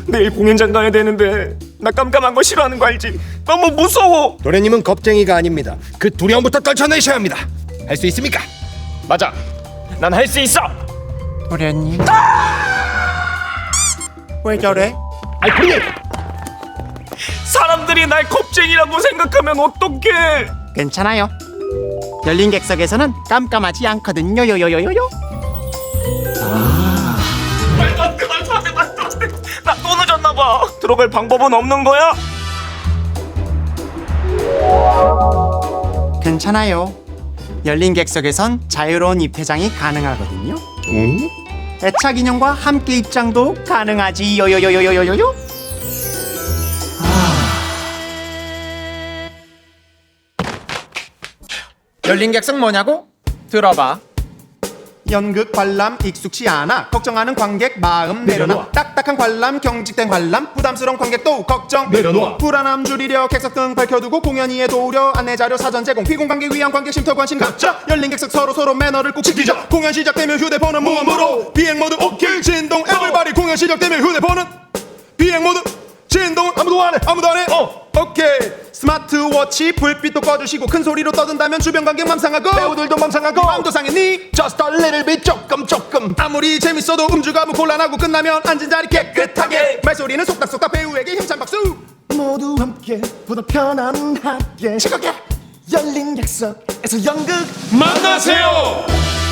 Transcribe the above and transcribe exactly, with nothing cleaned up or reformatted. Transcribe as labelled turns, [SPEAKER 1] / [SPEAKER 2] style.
[SPEAKER 1] 내일 공연장 가야 되는데 나 깜깜한 거 싫어하는 거 알지? 너무 무서워.
[SPEAKER 2] 도련님은 겁쟁이가 아닙니다. 그 두려움부터 떨쳐내셔야 합니다. 할 수 있습니까?
[SPEAKER 1] 맞아, 난 할 수 있어.
[SPEAKER 3] 도련님 왜 저래?
[SPEAKER 2] 아이 도련님!
[SPEAKER 1] 사람들이 날 겁쟁이라고 생각하면 어떡해?
[SPEAKER 3] 괜찮아요. 열린 객석에서는 깜깜하지 않거든요. 요요요요요.
[SPEAKER 1] 말도 안 돼, 말도 안 돼, 말도 안 돼. 나 또 늦었나 봐. 들어갈 방법은 없는 거야?
[SPEAKER 3] 괜찮아요. 열린 객석에선 자유로운 입퇴장이 가능하거든요.
[SPEAKER 2] 응?
[SPEAKER 3] 애착 인형과 함께 입장도 가능하지. 요요요요요요요.
[SPEAKER 4] 열린 객석 뭐냐고? 들어봐.
[SPEAKER 5] 연극 관람 익숙치 않아 걱정하는 관객 마음 내려놔,
[SPEAKER 2] 내려놔.
[SPEAKER 5] 딱딱한 관람 경직된 관람 부담스러운 관객도 걱정
[SPEAKER 2] 내려놔.
[SPEAKER 5] 불안함 줄이려 객석 등 밝혀두고 공연 이해 도우려 안내 자료 사전 제공 피공 관객 위한 관객 쉼터 관심 갖자 열린 객석 서로 서로 매너를 꼭 지키자 공연 시작되면 휴대폰은 무음으로 비행 모드 오케이 진동 에브리바디 공연 시작되면 휴대폰은 비행 모드 진동 아무도 안해 아무도 안해 어 오케이 스마트워치 불빛도 꺼주시고 큰 소리로 떠든다면 주변 관객 맘상하고 배우들도 맘상하고 마음도 상했니 Just a little bit 조금 조금 아무리 재밌어도 음주가무 곤란하고 끝나면 앉은 자리 깨끗하게 말소리는 속닥속닥 배우에게 힘찬 박수
[SPEAKER 6] 모두 함께 보다 편안하게
[SPEAKER 5] 즐겁게
[SPEAKER 6] 열린 객석에서 연극
[SPEAKER 1] 만나세요.